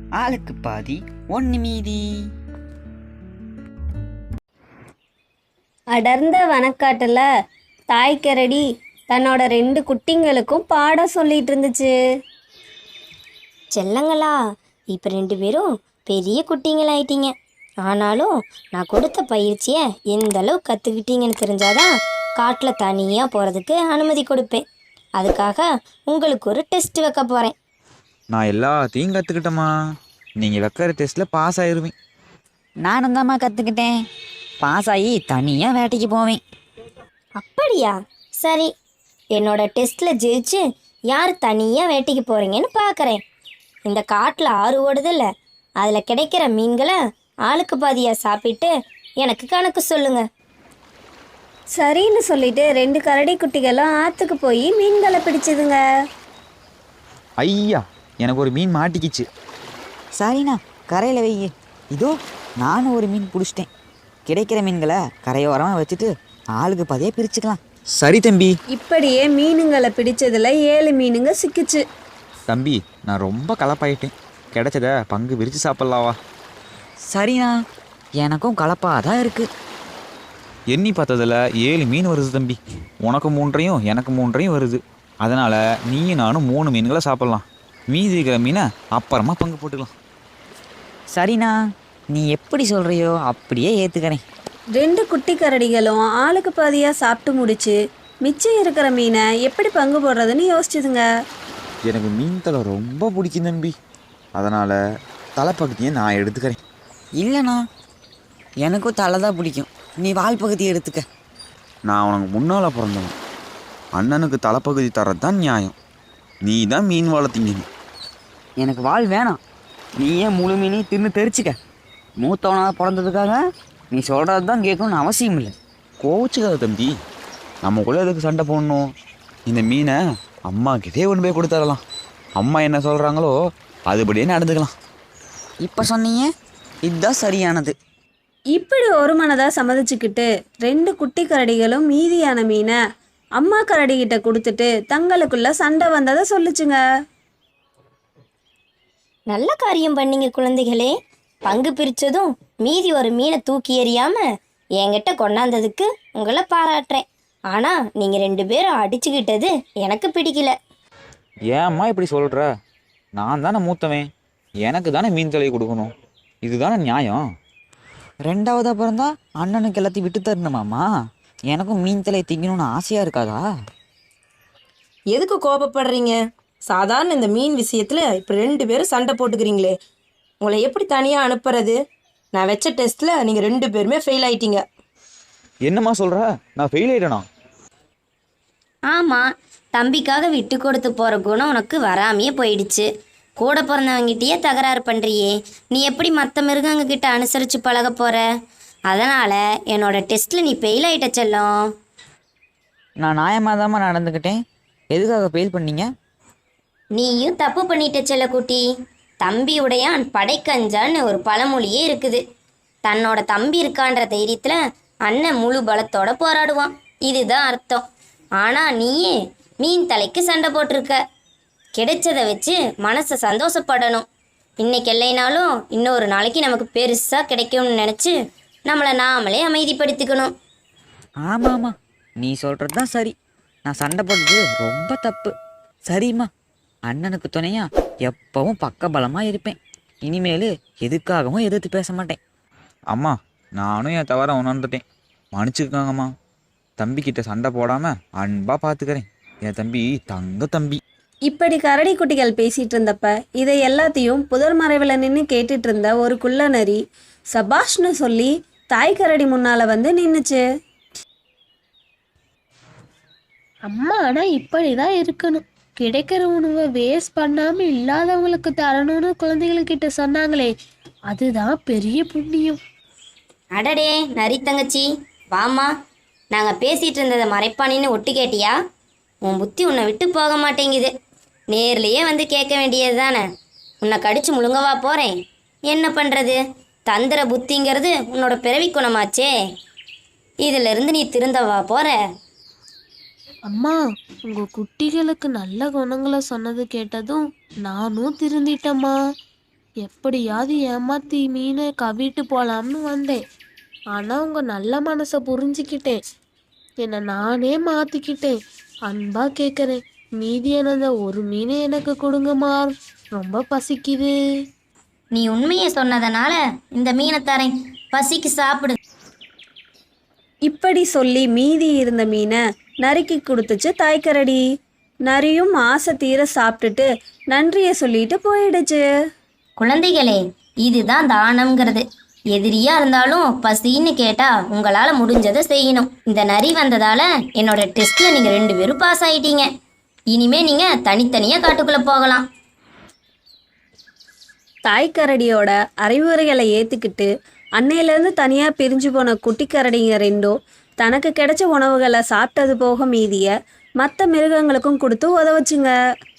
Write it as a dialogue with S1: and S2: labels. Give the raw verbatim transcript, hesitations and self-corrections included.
S1: ஆளுக்கு பாதி ஒன்று மீதி.
S2: அடர்ந்த வனக்காட்டுல தாய்க்கரடி தன்னோட ரெண்டு குட்டிங்களுக்கும் பாடம் சொல்லிட்டு இருந்துச்சு.
S3: செல்லங்களா, இப்போ ரெண்டு பேரும் பெரிய குட்டிங்களாயிட்டீங்க. ஆனாலும் நான் கொடுத்த பயிற்சியை எந்த அளவு கற்றுக்கிட்டீங்கன்னு தெரிஞ்சாதான் காட்டில் தனியாக போகிறதுக்கு அனுமதி கொடுப்பேன். அதுக்காக உங்களுக்கு ஒரு டெஸ்ட் வைக்க போகிறேன்.
S4: நான் எல்லாத்தையும் கற்றுக்கிட்டேம்மா. நீங்கள் வைக்கிற டெஸ்ட்டில் பாஸ் ஆயிடுவேன்.
S1: நானும் தாம்மா கற்றுக்கிட்டேன். பாஸ் ஆகி தனியாக வேட்டைக்கு போவேன்.
S3: அப்படியா? சரி, என்னோட டெஸ்ட்டில் ஜெயிச்சு யார் தனியாக வேட்டைக்கு போகிறீங்கன்னு பார்க்குறேன். இந்த காட்டில் ஆறு ஓடுதில்ல, அதில் கிடைக்கிற மீன்களை ஆளுக்கு பாதியாக சாப்பிட்டு எனக்கு கணக்கு சொல்லுங்க.
S2: சரின்னு சொல்லிட்டு ரெண்டு கரடி குட்டிகளும் ஆற்றுக்கு போய் மீன்களை பிடிச்சதுங்க.
S4: ஐயா, எனக்கு ஒரு மீன் மாட்டிக்கிச்சு.
S1: சரிண்ணா, கரையில் வை. இதோ நானும் ஒரு மீன் பிடிச்சிட்டேன். கிடைக்கிற மீன்களை கரையோரமாக வச்சுட்டு ஆளுக்கு பாதியாக பிரிச்சுக்கலாம்.
S4: சரி தம்பி.
S2: இப்படியே மீனுங்களை பிடிச்சதுல ஏழு மீனுங்க சிக்கிச்சு.
S4: தம்பி, நான் ரொம்ப கலப்பாயிட்டேன். கிடைச்சத பங்கு விரித்து சாப்பிட்லாவா?
S1: சரிண்ணா, எனக்கும் கலப்பாக தான் இருக்குது.
S4: எண்ணி பார்த்ததில் ஏழு மீன் வருது தம்பி. உனக்கு மூன்றையும் எனக்கு மூன்றையும் வருது. அதனால் நீயும் நானும் மூணு மீன்களை சாப்பிட்லாம். மீதி இருக்கிற மீனை அப்புறமா பங்கு போட்டுக்கலாம்.
S1: சரிண்ணா, நீ எப்படி சொல்கிறியோ அப்படியே ஏற்றுக்கிறேன்.
S2: ரெண்டு குட்டி கரடிகளும் ஆளுக்கு பாதியாக சாப்பிட்டு முடிச்சு மிச்சம் இருக்கிற மீனை எப்படி பங்கு போடுறதுன்னு யோசிச்சுதுங்க.
S4: எனக்கு மீன் தலை ரொம்ப பிடிக்கும் தம்பி. அதனால் தலைப்பகுதியை நான் எடுத்துக்கிறேன்.
S1: இல்லைண்ணா, எனக்கும் தலை தான் பிடிக்கும். நீ வால் பகுதியை எடுத்துக்க.
S4: நான் உனக்கு முன்னால் பிறந்தவன். அண்ணனுக்கு தலைப்பகுதி தரது தான் நியாயம். நீ தான் மீன் வளர்த்தீங்க.
S1: எனக்கு வால் வேணாம். நீ ஏன் முழு மீனையும் தின்னு தெரிச்சுக்க. மூத்தவனாக பிறந்ததுக்காக நீ சொல்கிறது தான் கேட்கணும்னு அவசியம் இல்லை.
S4: கோச்சுக்காத தம்பி. நமக்குள்ளே எதுக்கு சண்டை போடணும்? இந்த மீனை அம்மா கிட்டே கொண்டு போய் கொடுத்துடலாம். அம்மா என்ன சொல்கிறாங்களோ அதுபடியே நடந்துக்கலாம்.
S1: இப்போ சொன்னீங்க, இதுதான் சரியானது.
S2: இப்படி ஒரு மனதாக சம்மதிச்சுக்கிட்டு ரெண்டு குட்டி கரடிகளும் மீதியான மீனை அம்மா கரடிகிட்ட கொடுத்துட்டு தங்களுக்குள்ள சண்டை வந்ததை சொல்லுச்சுங்க.
S3: நல்ல காரியம் பண்ணீங்க குழந்தைகளே. பங்கு பிரித்ததும் மீதி ஒரு மீனை தூக்கி எறியாம என்கிட்ட கொண்டாந்ததுக்கு உங்களை பாராட்டுறேன். ஆனால் நீங்கள் ரெண்டு பேரும் அடிச்சுக்கிட்டது எனக்கு பிடிக்கல.
S4: ஏம்மா இப்படி சொல்கிற? நான் தானே மூத்தவன். எனக்கு தானே மீன் தலையை கொடுக்கணும். இதுதானே நியாயம்.
S1: ரெண்டாவது அப்புறம் தான் அண்ணனுக்கு எல்லாத்தையும் விட்டு தரணுமாம்மா. எனக்கும் மீன் தலையை திங்கணும்னு ஆசையாக இருக்காதா?
S5: எதுக்கு கோபப்படுறீங்க? சாதாரண இந்த மீன் விஷயத்தில் இப்போ ரெண்டு பேரும் சண்டை போட்டுக்கிறீங்களே, உங்களை எப்படி தனியாக அனுப்புறது? நான் வச்ச டெஸ்ட்டில் நீங்கள் ரெண்டு பேருமே ஃபெயில் ஆயிட்டீங்க.
S4: என்னம்மா சொல்கிற? நான் ஃபெயில் ஆகிட்டேனா?
S3: ஆமாம், தம்பிக்காக விட்டு கொடுத்து போகிற குணம் உனக்கு வராமையே போயிடுச்சு. கூட பிறந்தவங்கிட்டயே தகராறு பண்ணுறியே, நீ எப்படி மற்ற மிருகங்கக்கிட்ட அனுசரித்து பழக போகிற? அதனால் என்னோட டெஸ்ட்டில் நீ ஃபெயில் ஆகிட்ட செல்லம்.
S1: நான் நியாயமாக தாம்மா நடந்துக்கிட்டேன். எதுக்காக ஃபெயில் பண்ணீங்க?
S3: நீயும் தப்பு பண்ணிட்ட செல்லக்குட்டி. தம்பி உடையான் படைக்கஞ்சான்னு ஒரு பழமொழியே இருக்குது. தன்னோட தம்பி இருக்கான்ற தைரியத்தில் அண்ணன் முழு பலத்தோட போராடுவான், இதுதான் அர்த்தம். ஆனால் நீயே மீன் தலைக்கு சண்டை போட்டிருக்க. கிடைச்சதை வச்சு மனசை சந்தோஷப்படணும். இன்னைக்கு இல்லைனாலும் இன்னொரு நாளைக்கு நமக்கு பெருசாக கிடைக்கும்னு நினச்சி நம்மளை நாமளே அமைதிப்படுத்திக்கணும்.
S1: ஆமாம் ஆமாம், நீ சொல்கிறது தான் சரி. நான் சண்டை போட்டது ரொம்ப தப்பு. சரிம்மா, அண்ணனுக்கு துணையா எப்பவும் பக்க பலமாக இருப்பேன். இனிமேல் எதுக்காகவும் எதிர்த்து பேச மாட்டேன்.
S4: அம்மா, நானும் என் தவற உணர்ந்துட்டேன். மன்னிச்சுக்கோங்கம்மா. தம்பிக்கிட்ட சண்டை போடாமல் அன்பாக பார்த்துக்கிறேன். என் தம்பி தங்க தம்பி.
S2: இப்படி கரடி குட்டிகள் பேசிட்டு இருந்தப்ப இதை எல்லாத்தையும் புதர் மறைவில் நின்று கேட்டுட்டு இருந்த ஒரு குள்ள நரி சபாஷ்னு சொல்லி தாய் கரடி முன்னால வந்து நின்னுச்சு.
S6: அம்மா ஆனால் இப்படி தான் இருக்கணும். கிடைக்கிற உணவை வேஸ்ட் பண்ணாமல் இல்லாதவங்களுக்கு தரணும்னு குழந்தைகள்கிட்ட சொன்னாங்களே, அதுதான் பெரிய புண்ணியம்.
S3: அடடே நரி தங்கச்சி, வாமா. நாங்கள் பேசிகிட்டு இருந்ததை மறைப்பானின்னு ஒட்டு கேட்டியா? உன் புத்தி உன்னை விட்டு போக மாட்டேங்குது. நேர்லேயே வந்து கேட்க வேண்டியது தானே. உன்னை கடிச்சு முழுங்கவா போகிறேன்? என்ன பண்ணுறது? தந்திர புத்திங்கிறது உன்னோட பிறவி குணமாச்சே. இதிலிருந்து நீ திருந்தவா போகிற?
S6: அம்மா, உங்கள் குட்டிகளுக்கு நல்ல குணங்களை சொன்னது கேட்டதும் நானும் திருந்திட்டம்மா. எப்படியாவது ஏமாத்தி மீனை கவிட்டு போலாம்னு வந்தேன். ஆனா உங்க நல்ல மனசை புரிஞ்சுக்கிட்டேன். என்னை நானே மாத்திக்கிட்டேன். அன்பா கேட்குறேன், மீதியானத ஒரு மீனை எனக்கு கொடுங்கம்மா, ரொம்ப பசிக்குது.
S3: நீ உண்மையை சொன்னதனால இந்த மீனை தரேன், பசிக்கு சாப்பிடு.
S2: இப்படி சொல்லி மீதி இருந்த மீனை நரிக்கு கொடுத்துச்சு தாய்க்கரடி. நரியும் ஆசை தீர சாப்பிட்டுட்டு நன்றியை சொல்லிட்டு போயிடுச்சு.
S3: குழந்தைகளே, இதுதான் தானம்ங்கிறது. எதிரியா இருந்தாலும் பசின்னு கேட்டா உங்களால முடிஞ்சதை செய்யணும். இந்த நரி வந்ததால என்னோட டெஸ்ட்ல நீங்க ரெண்டு பேரும் பாஸ் ஆயிட்டீங்க. இனிமே நீங்க தனித்தனியா காட்டுக்குள்ள போகலாம்.
S2: தாய்க்கரடியோட அறிவுரைகளை ஏற்றுக்கிட்டு அன்னையிலேருந்து தனியாக பிரிஞ்சு போன குட்டிக்கரடிங்க ரெண்டும் தனக்கு கிடைச்ச உணவுகளை சாப்பிட்டது போக மீதியை மற்ற மிருகங்களுக்கும் கொடுத்து உதவுச்சுங்க.